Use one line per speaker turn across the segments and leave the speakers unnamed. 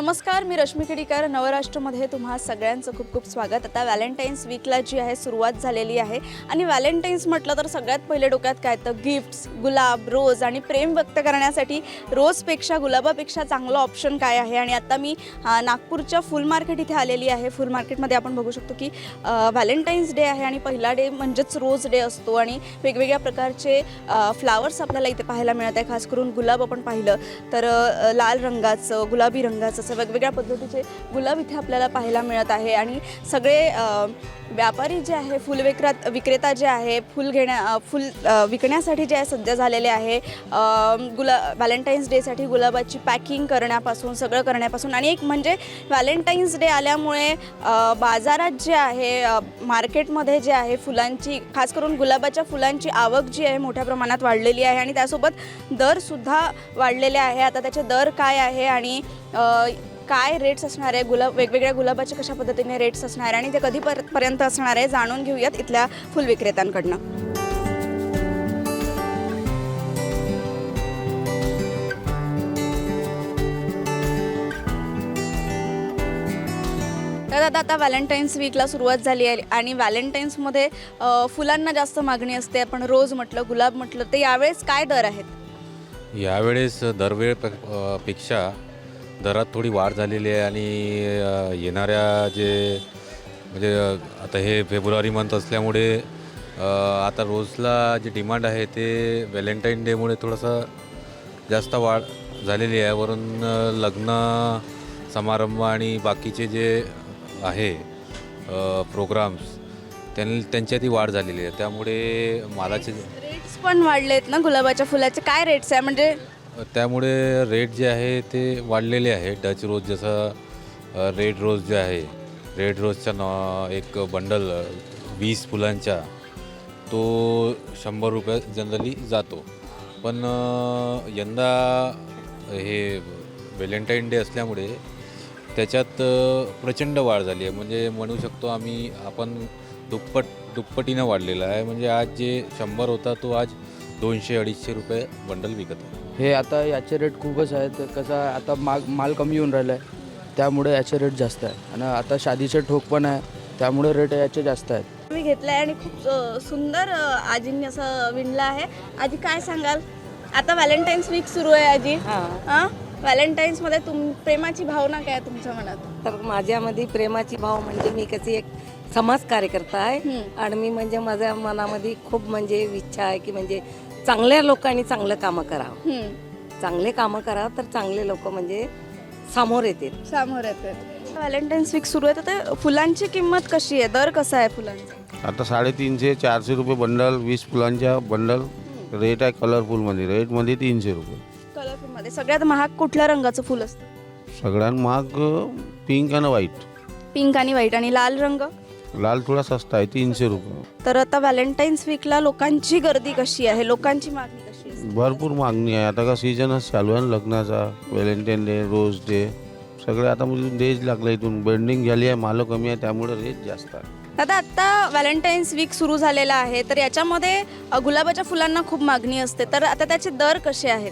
नमस्कार, मी रश्मी खेडीकर. नवराष्ट्रमध्ये तुम्हा सगळ्यांचं खूप खूप स्वागत. आता व्हॅलेंटाईन्स वीकला जी आहे सुरुवात झालेली आहे आणि व्हॅलेंटाईन्स म्हटलं तर सगळ्यात पहिले डोक्यात काय तर गिफ्ट्स, गुलाब, रोज आणि प्रेम व्यक्त करण्यासाठी रोजपेक्षा गुलाबापेक्षा चांगलं ऑप्शन काय आहे. आणि आता मी नागपूरच्या फुल मार्केट इथे आलेली आहे. फुल मार्केटमध्ये आपण बघू शकतो की व्हॅलेंटाईन्स डे आहे आणि पहिला डे म्हणजेच रोज डे असतो आणि वेगवेगळ्या प्रकारचे फ्लावर्स आपल्याला इथे पाहायला मिळत आहे. खास करून गुलाब आपण पाहिलं तर लाल रंगाचं, गुलाबी रंगाचं असं वेगवेगळ्या पद्धतीचे गुलाब इथे आपल्याला पाहायला मिळत आहे. आणि सगळे व्यापारी जे आहे, विक्रेता जे आहे, फुल विकण्यासाठी जे आहे सध्या झालेले आहे. व्हॅलेंटाईन्स डेसाठी गुलाबाची पॅकिंग करण्यापासून सगळं करण्यापासून आणि एक म्हणजे व्हॅलेंटाईन्स डे आल्यामुळे बाजारात जे आहे, मार्केटमध्ये जे आहे फुलांची, खास करून गुलाबाच्या फुलांची आवक जी आहे मोठ्या प्रमाणात वाढलेली आहे आणि त्यासोबत दरसुद्धा वाढलेले आहे. आता त्याचे दर काय आहे आणि काय रेट्स असणार आहे, वेगवेगळ्या गुलाबाचे कशा पद्धतीने रेट्स असणार आहे आणि ते कधीपर्यंत असणार आहे जाणून घेऊयात इथल्या फुल विक्रेत्यांकडनं. तर आता व्हॅलेंटाईन्स वीकला सुरुवात झाली आहे आणि व्हॅलेंटाईन्समध्ये फुलांना जास्त मागणी असते. आपण रोज म्हटलं, गुलाब म्हटलं, तर यावेळेस काय दर आहेत?
यावेळेस दरवेळेपेक्षा दरात थोडी वाढ झालेली आहे आणि येणाऱ्या जे म्हणजे आता हे फेब्रुवारी मंथ असल्यामुळे आता रोजला जे डिमांड आहे ते व्हॅलेंटाईन डेमुळे थोडंसं जास्त वाढ झालेली आहे. वरून लग्न समारंभ आणि बाकीचे जे आहे प्रोग्राम्स त्यांच्यातही वाढ झालेली आहे. त्यामुळे मालाचे
रेट्स पण वाढलेत ना गुलाबाच्या फुलाचे. काय रेट्स आहे म्हणजे?
त्यामुळे रेट जे आहे ते वाढलेले आहे. डच रोज जसं रेड रोज जे आहे, रेड रोजचा एक बंडल 20 फुलांचा तो 100 रुपये जनरली जातो. पण यंदा हे व्हॅलेंटाईन डे असल्यामुळे त्याच्यात प्रचंड वाढ झाली आहे. म्हणजे म्हणू शकतो आपण दुप्पटीनं वाढलेला आहे. म्हणजे आज जे 100 होता तो आज 200-250 रुपये बंडल विकत आहे.
हे आता याचे रेट खूपच आहेत. कसं आहे, आता माल कमी येऊन राहिला आहे त्यामुळे याचे रेट जास्त आहे. आणि आता शादीचे ठोक पण आहे त्यामुळे रेट याचे जास्त आहेत.
मी घेतलं आहे आणि खूप सुंदर आजींनी असं विणलं आहे. आजी काय सांगाल? आता व्हॅलेंटाईन्स वीक सुरू आहे आजी. हां, व्हॅलेंटाईन्समध्ये प्रेमाची भावना काय आहे तुमच्या मनात?
तर माझ्यामध्ये प्रेमाची भाव म्हणजे मी कशी एक समाज कार्यकर्ता आहे आणि मी म्हणजे माझ्या मनामध्ये खूप म्हणजे इच्छा आहे की म्हणजे चांगल्या लोकांनी चांगलं कामं करावं, चांगले कामं करावं तर चांगले लोक म्हणजे समोर येतात.
व्हॅलेंटाईन्स वीक सुरू आहे तर फुलांची किंमत कशी आहे, दर कसा आहे फुलांचा?
आता 350-400 रुपये बंडल, 20 फुलांच्या बंडल रेट आहे. कलरफुलमध्ये रेटमध्ये 300 रुपये.
कलरफुलमध्ये सगळ्यात महाग कुठल्या रंगाचं फुल असतं?
सगळ्यात महाग पिंक आणि व्हाईट.
पिंक आणि व्हाईट. आणि लाल रंग?
लाल थोडा सस्ता आहे, 300 रुपये.
तर आता व्हॅलेंटाईन्स वीकला लोकांची गर्दी कशी आहे, लोकांची मागणी कशी आहे?
भरपूर मागणी आहे. आता का सीजनच चालू आहे ना लग्नाचा. व्हॅलेंटाईन डे, रोज डे सगळे आता म्हणजे डेज लागले. इथून बेंडिंग झाली आहे, माल कमी आहे त्यामुळे रेट जास्त आहे.
आता व्हॅलेंटाईन्स वीक सुरू झालेला आहे तर याच्यामध्ये गुलाबाच्या फुलांना खूप मागणी असते. तर आता त्याचे दर कसे आहेत?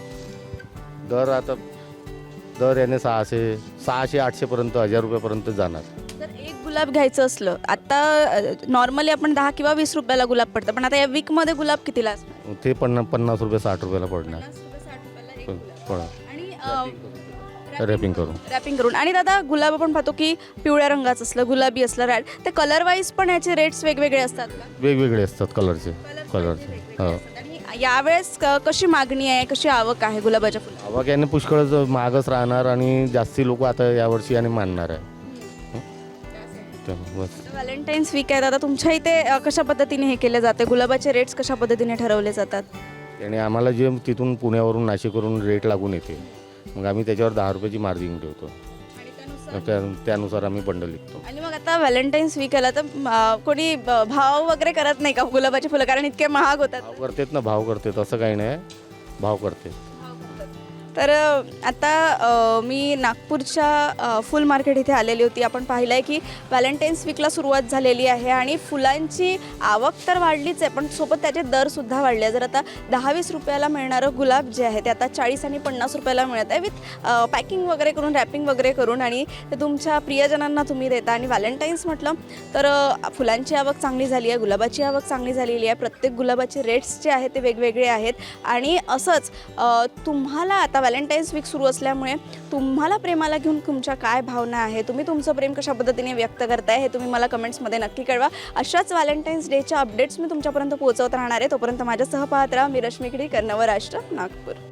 दर याने 600-800 पर्यंत, 1000 रुपयापर्यंत जाणार.
जर एक गुलाब घ्यायचं असलं, आता नॉर्मली आपण 10 किंवा 20 रुपयाला गुलाब पडतं, पण आता या वीकमध्ये गुलाब कितीला असणार?
ते 50 रुपये 60 रुपयाला पडणार.
50 रुपये, 60 रुपयाला एक गुलाब. आणि
रॅपिंग करून.
आणि दादा, गुलाब आपण पाहतो की पिवळ्या रंगाचं असलं, गुलाबी असलं, रेड, ते कलर वाईज पण याचे रेट्स वेगवेगळे असतात का?
वेगवेगळे असतात कलरचे. हो.
आणि यावेळेस कशी मागणी आहे, कशी आवक आहे गुलाबाच्या फुलांची?
आवक याने पुष्कळच महागच राहणार आणि जास्ती लोक आता यावर्षी याने मानणार आहे. बस.
व्हॅलेंटाईन्स वीक आहे दादा, तुमच्या इथे कशा पद्धतीने हे केले जाते, गुलाबाचे रेट्स कशा पद्धतीने ठरवले जातात?
आणि आम्हाला जे तिथून पुण्यावरून नाशिकवरून रेट लागून येते, मग आम्ही त्याच्यावर 10 रुपयाची मार्जिन ठेवतो. त्यानुसार आम्ही बंडल विकतो.
आणि मग आता व्हॅलेंटाईन्स वीक आला तर कोणी भाव वगैरे करत नाही का गुलाबाची फुलं, कारण इतके महाग होतात?
भाव करतात ना, भाव करतात, असं काही नाही, भाव करते.
तर आता मी नागपूरच्या फुल मार्केट इथे आलेली होती. आपण पाहिलं आहे की व्हॅलेंटाईन्स वीकला सुरुवात झालेली आहे आणि फुलांची आवक तर वाढलीच आहे, पण सोबत त्याचे दरसुद्धा वाढले आहे. जर आता 10-20 रुपयाला मिळणारं गुलाब जे आहे ते आता 40 आणि 50 रुपयाला मिळत आहे, विथ पॅकिंग वगैरे करून, रॅपिंग वगैरे करून, आणि ते तुमच्या प्रियजनांना तुम्ही देता. आणि व्हॅलेंटाईन्स म्हटलं तर फुलांची आवक चांगली झाली आहे, गुलाबाची आवक चांगली झालेली आहे. प्रत्येक गुलाबाचे रेट्स जे आहेत ते वेगवेगळे आहेत. आणि असंच तुम्हाला आता व्हॅलेंटाईन्स वीक सुरू असल्यामुळे तुम्हाला प्रेमाला घेऊन तुमच्या काय भावना आहे, तुम्ही तुमचं प्रेम कशा पद्धतीने व्यक्त करताय हे तुम्ही मला कमेंट्समध्ये नक्की कळवा. अशाच व्हॅलेंटाईन्स डेच्या अपडेट्स मी तुमच्यापर्यंत पोहोचवत राहणार आहे. तोपर्यंत माझ्यासह पाहत राहा. मी रश्मी खिडीकर, नवराष्ट्र, नागपूर.